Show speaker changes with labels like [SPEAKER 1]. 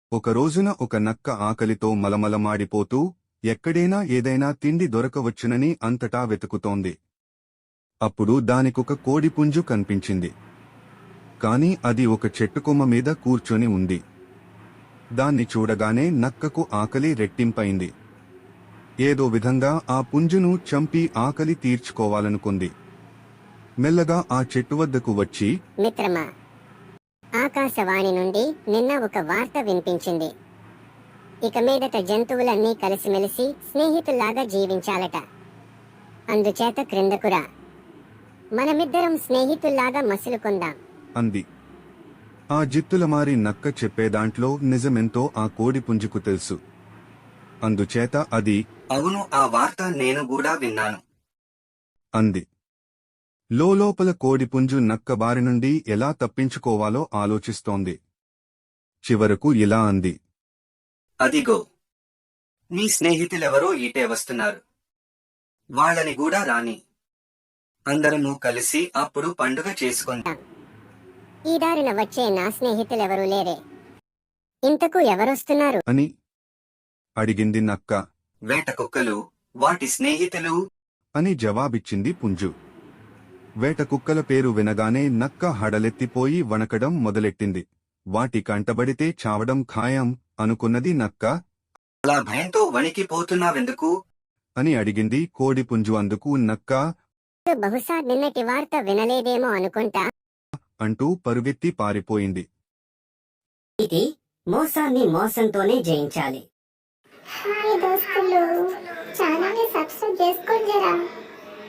[SPEAKER 1] ఒక రోజున ఒక నక్క ఆకలితో మలమలమాడిపోతూ ఎక్కడైనా ఏదైనా తిండి దొరకవచ్చునని అంతటా వెతుకుతోంది. అప్పుడు దానికొక కోడిపుంజు కనిపించింది. కాని అది ఒక చెట్టుకొమ్మ మీద కూర్చొని ఉంది. దాన్ని చూడగానే నక్కకు ఆకలి రెట్టింపైంది. ఏదో విధంగా ఆ పుంజును చంపి ఆకలి తీర్చుకోవాలనుకుంది. మెల్లగా ఆ చెట్టు వద్దకు వచ్చి,
[SPEAKER 2] మిత్రమా, ఆకాశవాణి నుండి నిన్న ఒక వార్త వినిపించింది. ఇక మీదట జంతువులన్నీ కలిసిమెలిసి స్నేహితుల్లాగా జీవించాలట. అందుచేత క్రిందకురా, మనమిద్దరం స్నేహితుల్లాగా మసులుకుందాం
[SPEAKER 1] అంది. ఆ జిత్తులమారి నక్క చెప్పేదాంట్లో నిజమెంతో ఆ కోడిపుంజుకు తెలుసు. అందుచేత అది,
[SPEAKER 3] అవును, ఆ వార్త నేను కూడా విన్నాను
[SPEAKER 1] అంది. లోలోపల కోడిపుంజు నక్క బారి నుండి ఎలా తప్పించుకోవాలో ఆలోచిస్తోంది. చివరకు ఇలా అంది,
[SPEAKER 3] అదిగో, నీ స్నేహితులెవరో ఈటే వస్తున్నారు. వాళ్ళని కూడా రాని. అందరము కలిసి అప్పుడు పండుగ చేసుకుందాం.
[SPEAKER 2] ఈ దారిన వచ్చే నా స్నేహితులెవరూ లేరే. ఇంతకు ఎవరొస్తున్నారు
[SPEAKER 1] అని అడిగింది నక్క.
[SPEAKER 3] వేట కుక్కలు, వాటి స్నేహితులు
[SPEAKER 1] అని జవాబిచ్చింది పుంజు. వేట కుక్కల పేరు వినగానే నక్క హడలెత్తిపోయి వణకడం మొదలెట్టింది. వాటి కంటబడితే చావడం ఖాయం అనుకున్నది నక్క.
[SPEAKER 3] అలా భయంతో వణికిపోతున్నావెందుకు
[SPEAKER 1] అని అడిగింది కోడిపుంజు. అందుకు నక్క,
[SPEAKER 2] బహుశా నిన్నటి వార్త వినలేదేమో అనుకుంటా
[SPEAKER 1] అంటూ పరుగెత్తి పారిపోయింది.
[SPEAKER 2] ఇది మోసాన్ని మోసంతోనే జయించాలి.
[SPEAKER 4] హాయ్ దోస్తులు, ఛానల్ని సబ్స్క్రైబ్ చేసుకోండి జరా.